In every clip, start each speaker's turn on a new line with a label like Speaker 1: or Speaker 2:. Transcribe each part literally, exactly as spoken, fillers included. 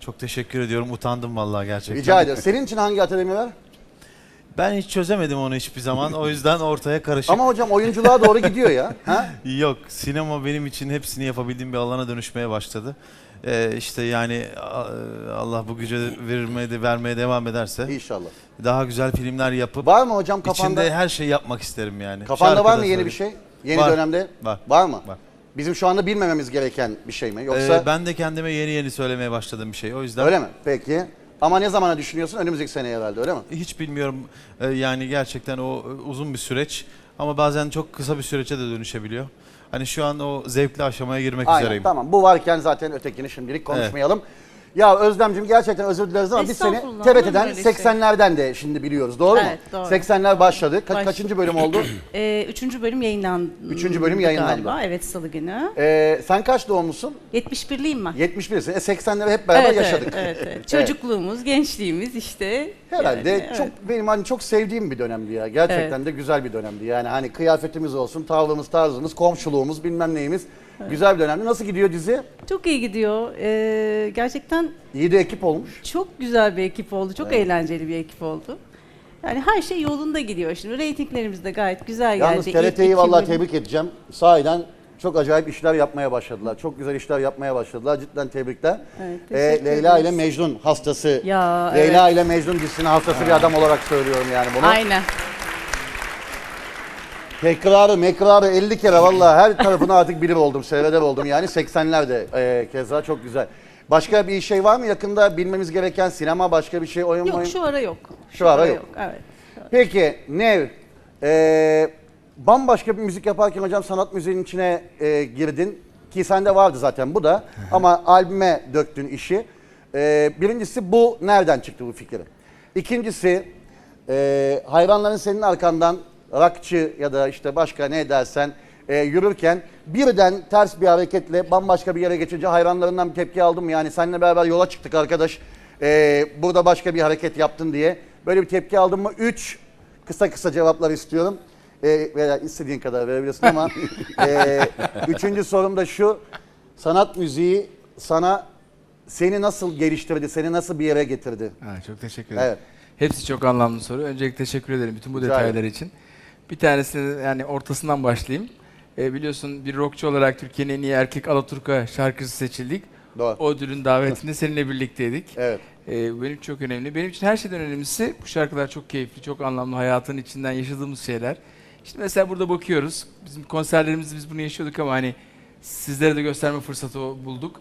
Speaker 1: Çok teşekkür ediyorum. Utandım vallahi gerçekten.
Speaker 2: Rica ederim. Senin için hangi akademiler?
Speaker 1: Ben hiç çözemedim onu hiçbir zaman. O yüzden ortaya karışık.
Speaker 2: Ama hocam oyunculuğa doğru gidiyor ya. Ha?
Speaker 1: Yok, sinema benim için hepsini yapabildiğim bir alana dönüşmeye başladı. Ee, işte yani Allah bu gücü vermeye de vermeye devam ederse
Speaker 2: İnşallah.
Speaker 1: daha güzel filmler yapıp
Speaker 2: Var mı hocam kafanda?
Speaker 1: içinde her şeyi yapmak isterim yani.
Speaker 2: Kafanda
Speaker 1: Şarkı
Speaker 2: var
Speaker 1: da
Speaker 2: mı yeni
Speaker 1: söyleyeyim.
Speaker 2: bir şey? Yeni
Speaker 1: Var.
Speaker 2: dönemde?
Speaker 1: Var.
Speaker 2: Var mı?
Speaker 1: Var.
Speaker 2: Bizim şu anda bilmememiz gereken bir şey mi? Yoksa
Speaker 1: Ee, ben de kendime yeni yeni söylemeye başladığım bir şey. O yüzden
Speaker 2: öyle mi? Peki. Ama ne zamana düşünüyorsun? Önümüzdeki seneye herhalde öyle mi?
Speaker 1: hiç bilmiyorum. Ee, yani gerçekten o uzun bir süreç ama bazen çok kısa bir süreçe de dönüşebiliyor. Hani şu an o zevkli aşamaya girmek
Speaker 2: Aynen,
Speaker 1: üzereyim.
Speaker 2: tamam. Bu varken zaten ötekini şimdilik konuşmayalım. Ya Özlemciğim gerçekten özür dileriz ama biz seni
Speaker 3: Estağfurullah,
Speaker 2: T R
Speaker 3: olur mu
Speaker 2: T'den
Speaker 3: öyle şey?
Speaker 2: seksenlerden de şimdi biliyoruz. Doğru
Speaker 3: Evet,
Speaker 2: mu?
Speaker 3: doğru.
Speaker 2: seksenler başladı. Ka-
Speaker 3: Baş-
Speaker 2: Kaçıncı bölüm oldu?
Speaker 3: Ee, üçüncü bölüm yayınlandı.
Speaker 2: Üçüncü bölüm yayınlandı.
Speaker 3: Galiba. Evet, Salı günü.
Speaker 2: Ee, sen kaç doğumlusun?
Speaker 3: yetmiş birliyim ben.
Speaker 2: yetmiş birsin. E seksenleri hep beraber
Speaker 3: evet,
Speaker 2: yaşadık.
Speaker 3: Evet, evet, evet. Çocukluğumuz, gençliğimiz işte.
Speaker 2: Herhalde
Speaker 3: yani,
Speaker 2: çok
Speaker 3: evet.
Speaker 2: benim hani çok sevdiğim bir dönemdi ya. Gerçekten de güzel bir dönemdi. Yani hani kıyafetimiz olsun, tavrımız, tarzımız, komşuluğumuz, bilmem neyimiz. Güzel bir dönemdi. Nasıl gidiyor dizi?
Speaker 3: Çok iyi gidiyor. Ee, gerçekten
Speaker 2: İyi de ekip olmuş.
Speaker 3: çok güzel bir ekip oldu. Çok
Speaker 2: Evet.
Speaker 3: eğlenceli bir ekip oldu. Yani her şey yolunda gidiyor şimdi. Reytinglerimiz de gayet güzel
Speaker 2: Yalnız
Speaker 3: geldi.
Speaker 2: T R
Speaker 3: İlk
Speaker 2: T'yi
Speaker 3: iki
Speaker 2: vallahi
Speaker 3: bölüm-
Speaker 2: tebrik edeceğim. Sahiden çok acayip işler yapmaya başladılar. Çok güzel işler yapmaya başladılar. Cidden tebrikler.
Speaker 3: Evet,
Speaker 2: Ee,
Speaker 3: teşekkür
Speaker 2: Leyla
Speaker 3: ederiz.
Speaker 2: ile Mecnun hastası.
Speaker 3: Ya,
Speaker 2: Leyla
Speaker 3: evet.
Speaker 2: ile Mecnun dizisinin hastası bir adam olarak söylüyorum yani bunu.
Speaker 3: Aynen.
Speaker 2: Tekrarı mekrarı elli kere vallahi her tarafını artık bilir oldum, seyreder oldum yani seksenlerde e, keza çok güzel. Başka bir şey var mı yakında bilmemiz gereken sinema başka bir şey oyun
Speaker 3: Yok,
Speaker 2: oyun?
Speaker 3: şu ara yok.
Speaker 2: Şu ara yok.
Speaker 3: Evet.
Speaker 2: Peki Nev, e, bambaşka bir müzik yaparken hocam sanat müziğinin içine e, girdin ki sende vardı zaten bu da ama albüme döktün işi. E, birincisi bu nereden çıktı bu fikir? İkincisi e, hayranların senin arkandan rockçı ya da işte başka ne dersen e, yürürken birden ters bir hareketle bambaşka bir yere geçince hayranlarından bir tepki aldın mı? Yani seninle beraber yola çıktık arkadaş e, burada başka bir hareket yaptın diye böyle bir tepki aldın mı? Üç kısa kısa cevaplar istiyorum. E, veya istediğin kadar verebilirsin ama e, üçüncü sorum da şu, sanat müziği sana seni nasıl geliştirdi, seni nasıl bir yere getirdi?
Speaker 4: Ha, çok teşekkür ederim.
Speaker 2: Evet.
Speaker 4: Hepsi çok anlamlı soru. Öncelikle teşekkür ederim bütün bu
Speaker 2: Rica
Speaker 4: detaylar
Speaker 2: ederim.
Speaker 4: için. Bir tanesini yani ortasından başlayayım. Ee, biliyorsun bir rockçu olarak Türkiye'nin en iyi erkek Alaturka şarkıcısı seçildik.
Speaker 2: Doğru.
Speaker 4: O ödülün davetinde seninle birlikteydik.
Speaker 2: Evet.
Speaker 4: Ee, bu benim çok önemli. Benim için her şeyden önemlisi bu şarkılar çok keyifli, çok anlamlı. Hayatın içinden yaşadığımız şeyler. İşte mesela burada bakıyoruz. Bizim konserlerimizde biz bunu yaşıyorduk ama hani sizlere de gösterme fırsatı bulduk.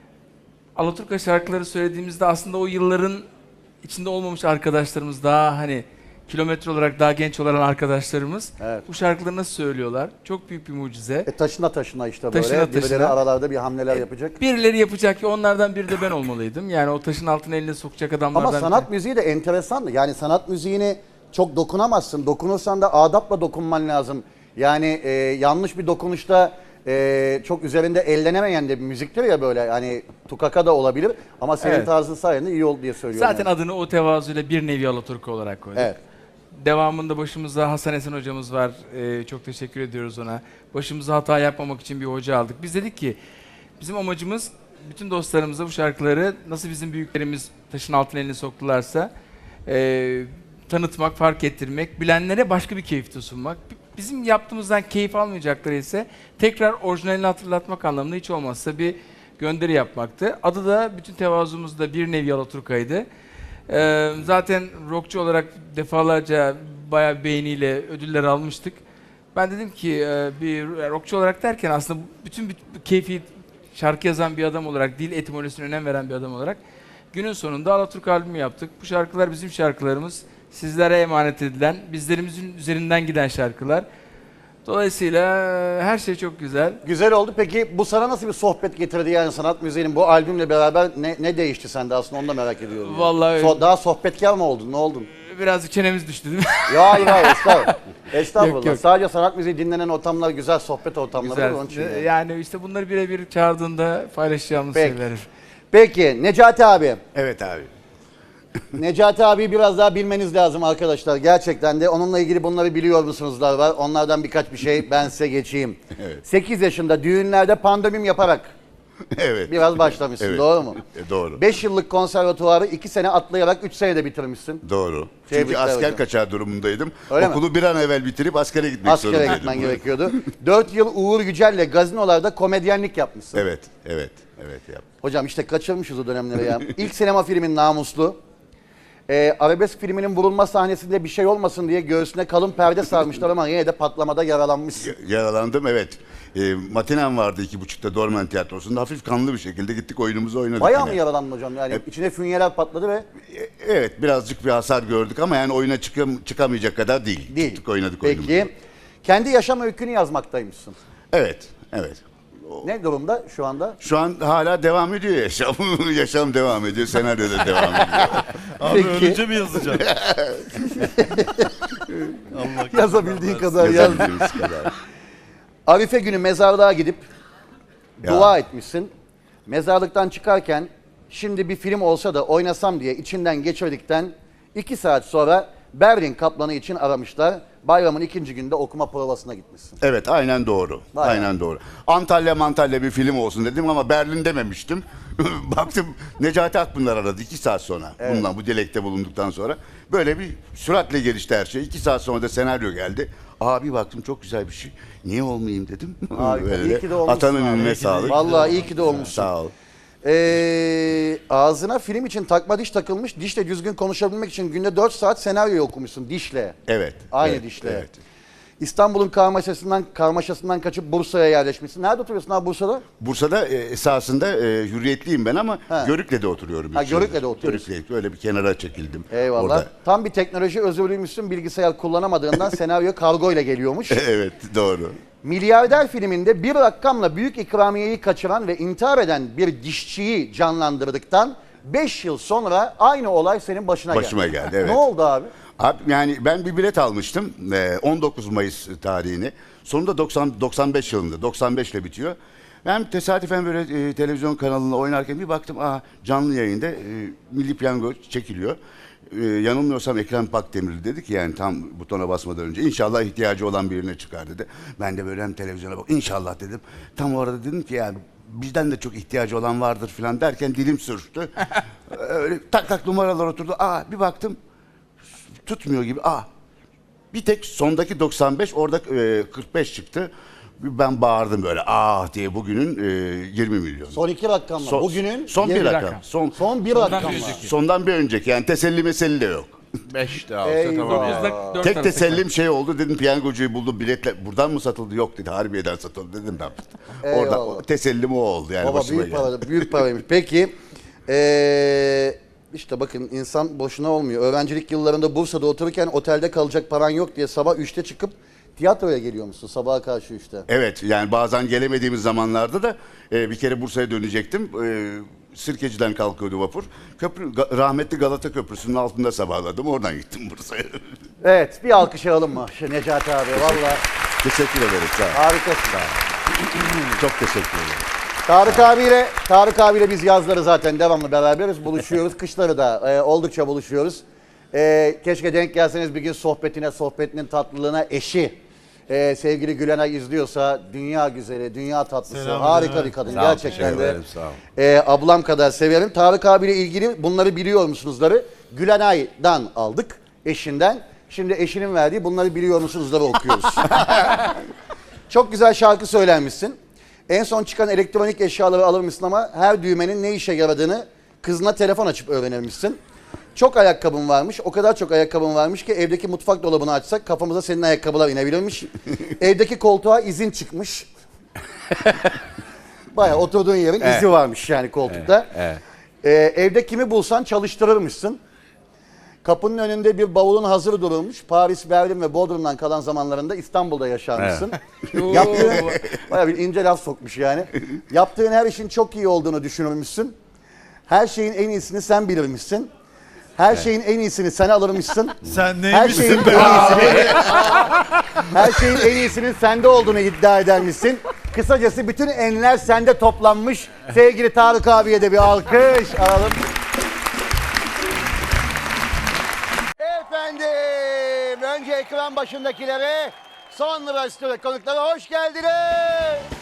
Speaker 4: Alaturka şarkıları söylediğimizde aslında o yılların içinde olmamış arkadaşlarımız, daha hani kilometre olarak daha genç olan arkadaşlarımız
Speaker 2: Evet.
Speaker 4: bu şarkıları nasıl söylüyorlar? Çok büyük bir mucize.
Speaker 2: E taşına taşına işte böyle.
Speaker 4: Taşına
Speaker 2: Birileri
Speaker 4: taşına.
Speaker 2: aralarda bir hamleler yapacak.
Speaker 4: Birileri yapacak ki onlardan biri de ben olmalıydım. Yani o taşın altına eline sokacak adamlardan.
Speaker 2: Ama sanat müziği de enteresan. Yani sanat müziğini çok dokunamazsın. Dokunursan da adapla dokunman lazım. Yani e, yanlış bir dokunuşta e, çok üzerinde ellenemeyen de bir müziktir ya böyle. Hani tukaka da olabilir. Ama senin
Speaker 4: Evet.
Speaker 2: tarzın sayende iyi oldu diye söylüyorum.
Speaker 4: Zaten
Speaker 2: yani.
Speaker 4: adını o tevazuyla bir nevi Alaturka olarak koyduk.
Speaker 2: Evet.
Speaker 4: Devamında başımızda Hasan Esen hocamız var. Ee, çok teşekkür ediyoruz ona. Başımıza hata yapmamak için bir hoca aldık. Biz dedik ki bizim amacımız bütün dostlarımıza bu şarkıları nasıl bizim büyüklerimiz taşın altına elini soktularsa e, tanıtmak, fark ettirmek, bilenlere başka bir keyif de sunmak. Bizim yaptığımızdan keyif almayacakları ise tekrar orijinalini hatırlatmak anlamında hiç olmazsa bir gönderi yapmaktı. Adı da bütün tevazumuzda bir nevi Alaturka'ydı. Ee, zaten rockçu olarak defalarca bayağı beğeniyle ödüller almıştık. Ben dedim ki e, bir rockçu olarak derken aslında bütün bir, bir keyfi şarkı yazan bir adam olarak, dil etimolojisine önem veren bir adam olarak günün sonunda Alaturka albümü yaptık. Bu şarkılar bizim şarkılarımız, sizlere emanet edilen, bizlerimizin üzerinden giden şarkılar. Dolayısıyla her şey çok güzel.
Speaker 2: Güzel oldu. Peki bu sana nasıl bir sohbet getirdi yani sanat müziğinin bu albümle beraber ne, ne değişti sende aslında onu da merak ediyorum. yani.
Speaker 4: Vallahi öyle.
Speaker 2: So- daha sohbetkar mı oldun? Ne oldun?
Speaker 4: Birazcık çenemiz düştü değil mi?
Speaker 2: Ya hayır hayır estağfurullah. Estağfurullah.
Speaker 4: Yok, yok.
Speaker 2: Sadece sanat müziği dinlenen ortamlar güzel sohbet ortamları
Speaker 4: Güzel.
Speaker 2: onun için. yani.
Speaker 4: Yani işte bunları birebir çağırdığında paylaşacağımız
Speaker 2: Peki.
Speaker 4: şeyler.
Speaker 2: Peki Necati abi.
Speaker 5: Evet abi.
Speaker 2: Necati abi biraz daha bilmeniz lazım arkadaşlar. Gerçekten de onunla ilgili bunları biliyor musunuzlar var. Onlardan birkaç bir şey ben size geçeyim.
Speaker 5: Evet.
Speaker 2: sekiz yaşında düğünlerde pandomim yaparak
Speaker 5: Evet.
Speaker 2: Biraz başlamışsın,
Speaker 5: Evet.
Speaker 2: doğru mu?
Speaker 5: E, doğru.
Speaker 2: beş yıllık konservatuvarı iki sene atlayarak üç senede bitirmişsin.
Speaker 5: Doğru. Çünkü
Speaker 2: Tebrikler
Speaker 5: asker
Speaker 2: hocam.
Speaker 5: kaçağı durumundaydım.
Speaker 2: Öyle mi?
Speaker 5: Okulu bir an evvel bitirip askere gitmek
Speaker 2: Askere
Speaker 5: zorundaydım.
Speaker 2: gitmen gerekiyordu. dört yıl Uğur Yücel'le gazinolarda komedyenlik yapmışsın.
Speaker 5: Evet, evet, evet yap.
Speaker 2: Hocam işte kaçırmışız o dönemleri ya. İlk sinema filmin Namuslu. Ee, arabesk filminin vurulma sahnesinde bir şey olmasın diye göğsüne kalın perde sarmışlar ama yine de patlamada yaralanmışsın.
Speaker 5: Yaralandım, evet. E, matinem vardı iki buçukta Dormen Tiyatrosu'nda. Hafif kanlı bir şekilde gittik, oyunumuzu oynadık.
Speaker 2: Bayağı
Speaker 5: yine.
Speaker 2: mı yaralandın hocam? Yani
Speaker 5: Hep-
Speaker 2: içine fünyeler patladı ve
Speaker 5: E, Evet, birazcık bir hasar gördük ama yani oyuna çıkam- çıkamayacak kadar değil.
Speaker 2: değil.
Speaker 5: Çıktık, oynadık
Speaker 2: Peki.
Speaker 5: oyunumuzu.
Speaker 2: Kendi yaşam öykünü yazmaktaymışsın.
Speaker 5: Evet, evet.
Speaker 2: Ne durumda şu anda?
Speaker 5: Şu an hala devam ediyor yaşam. Yaşam devam ediyor, senaryo da devam ediyor.
Speaker 1: Abi
Speaker 2: Peki.
Speaker 1: ölünce mi yazacaksın? Allah
Speaker 2: Yazabildiğin kadar yaz.
Speaker 5: Yazabildiğimiz kadar.
Speaker 2: Arife günü mezarlığa gidip
Speaker 5: Ya.
Speaker 2: dua etmişsin. Mezarlıktan çıkarken şimdi bir film olsa da oynasam diye içinden geçirdikten iki saat sonra Berlin Kaplanı için aramışlar. Bayramın ikinci günde okuma provasına gitmişsin.
Speaker 5: Evet, aynen doğru.
Speaker 2: Vay
Speaker 5: aynen doğru. Antalya Mantalya bir film olsun dedim ama Berlin dememiştim. Baktım Necati Akpınar aradı iki saat sonra. Bundan bu dilekte bulunduktan sonra. Böyle bir süratle gelişti her şey. iki saat sonra da senaryo geldi. Abi baktım çok güzel bir şey. Niye olmayayım dedim.
Speaker 2: Harika,
Speaker 5: Böyle
Speaker 2: iyi
Speaker 5: de
Speaker 2: ki de olmuşsun
Speaker 5: Atanın
Speaker 2: abi. İyi
Speaker 5: önüne
Speaker 2: ki de-
Speaker 5: sağlık.
Speaker 2: Vallahi iyi ki de olmuşsun.
Speaker 5: Sağ ol.
Speaker 2: Ee, ağzına film için takma diş takılmış. Dişle düzgün konuşabilmek için günde dört saat senaryo okumuşsun dişle.
Speaker 5: Evet.
Speaker 2: Aynı
Speaker 5: evet,
Speaker 2: dişle.
Speaker 5: Evet.
Speaker 2: İstanbul'un karmaşasından karmaşasından kaçıp Bursa'ya yerleşmişsin. Nerede oturuyorsun abi Bursa'da?
Speaker 5: Bursa'da e, esasında e, hürriyetliyim ben ama
Speaker 2: Ha.
Speaker 5: Görükle'de oturuyorum.
Speaker 2: Ha,
Speaker 5: üç yıldır.
Speaker 2: Görükle'de oturuyorsun.
Speaker 5: Görükle, öyle bir kenara çekildim.
Speaker 2: Eyvallah.
Speaker 5: Orada.
Speaker 2: Tam bir teknoloji özürlüymüşsün. Bilgisayar kullanamadığından senaryo kargo ile geliyormuş.
Speaker 5: Evet, doğru.
Speaker 2: Milyarder filminde bir rakamla büyük ikramiyeyi kaçıran ve intihar eden bir dişçiyi canlandırdıktan beş yıl sonra aynı olay senin başına geldi.
Speaker 5: Başıma geldi, evet.
Speaker 2: Ne oldu abi?
Speaker 5: Abi yani ben bir bilet almıştım e, on dokuz Mayıs tarihini. Sonunda doksan, doksan beş yılında, doksan beş ile bitiyor. Ben tesadüfen böyle e, televizyon kanalında oynarken bir baktım, aa canlı yayında e, Milli Piyango çekiliyor. E, yanılmıyorsam Ekrem Pakdemirli dedi ki yani tam butona basmadan önce inşallah ihtiyacı olan birine çıkar dedi. Ben de böyle hem televizyona bak inşallah dedim. Tam orada dedim ki yani bizden de çok ihtiyacı olan vardır falan derken dilim sürçtü. Öyle tak tak numaralar oturdu. Aa bir baktım tutmuyor gibi. Aa bir tek sondaki doksan beş orada e, kırk beş çıktı. Ben bağırdım böyle ah diye bugünün e, yirmi milyon.
Speaker 2: Son iki rakamla.
Speaker 5: Son-
Speaker 2: Bugünün
Speaker 5: son bir
Speaker 2: yirmi-
Speaker 5: rakam.
Speaker 4: rakam.
Speaker 5: Son
Speaker 2: Son bir
Speaker 4: Sondan
Speaker 2: rakamla.
Speaker 4: bir önceki.
Speaker 5: sondan bir önceki yani teselli meselli de yok.
Speaker 4: beş daha
Speaker 2: olsa Eyvah. tamam yani.
Speaker 4: Dört
Speaker 5: Tek
Speaker 4: arası
Speaker 5: tesellim şey oldu dedim piyangocuyu buldum biletler buradan mı satıldı yok dedi Harbiye'den satıldı dedim ben. Orada
Speaker 2: Eyvallah.
Speaker 5: o tesellim o oldu yani
Speaker 2: Baba
Speaker 5: başıma
Speaker 2: büyük
Speaker 5: geldi.
Speaker 2: para, büyük paraymış. Peki ee, işte bakın insan boşuna olmuyor. Öğrencilik yıllarında Bursa'da otururken otelde kalacak paran yok diye sabah üçte çıkıp tiyatroya geliyor musun sabaha karşı üçte?
Speaker 5: Evet yani bazen gelemediğimiz zamanlarda da e, bir kere Bursa'ya dönecektim. E, Sirkeci'den kalkıyordu vapur. Köprü, Ga- rahmetli Galata Köprüsü'nün altında sabahladım. Oradan gittim Bursa'ya.
Speaker 2: Evet bir alkış alalım mı şu Necati abi valla
Speaker 5: Teşekkür ederim. Sağ ol.
Speaker 2: harikasın.
Speaker 5: Çok teşekkür ederim.
Speaker 2: Tarık abiyle Tarık abiyle biz yazları zaten devamlı beraberiz buluşuyoruz. Kışları da e, oldukça buluşuyoruz. E, keşke denk gelseniz bir gün sohbetine, sohbetinin tatlılığına eşi. e, sevgili Gülenay izliyorsa dünya güzeli, dünya tatlısı,
Speaker 1: Selam
Speaker 2: harika
Speaker 1: ederim.
Speaker 2: bir kadın.
Speaker 5: Sağ ol,
Speaker 2: Gerçekten
Speaker 5: teşekkür
Speaker 2: de
Speaker 5: ederim, sağ ol.
Speaker 2: e, ablam kadar severim. Tarık abiyle ilgili bunları biliyor musunuzları? Gülenay'dan aldık, eşinden. Şimdi eşinin verdiği bunları biliyor musunuzları okuyoruz. Çok güzel şarkı söylenmişsin. En son çıkan elektronik eşyaları alır mısın ama her düğmenin ne işe yaradığını kızına telefon açıp öğrenirmişsin. Çok ayakkabın varmış. O kadar çok ayakkabın varmış ki evdeki mutfak dolabını açsak kafamıza senin ayakkabılar inebilirmiş. Evdeki koltuğa izin çıkmış. Baya oturduğun yerin izi varmış yani koltukta. Ee, evde kimi bulsan çalıştırırmışsın. Kapının önünde bir bavulun hazır durulmuş. Paris, Berlin ve Bodrum'dan kalan zamanlarında İstanbul'da yaşarmışsın. Yaptığın, bayağı bir ince laf sokmuş yani. Yaptığın her işin çok iyi olduğunu düşünürmüşsün. Her şeyin en iyisini sen bilirmişsin. Her şeyin en iyisini sen alırmışsın.
Speaker 1: Sen
Speaker 2: Her şeyin en
Speaker 1: neymişsin be?
Speaker 2: iyisini, her şeyin en iyisinin sende olduğunu iddia edermişsin. Kısacası bütün enler sende toplanmış. Sevgili Tarık abiye de bir alkış alalım. Efendim, önce ekran başındakilere, sonra stüdyo konuklara hoş geldiniz.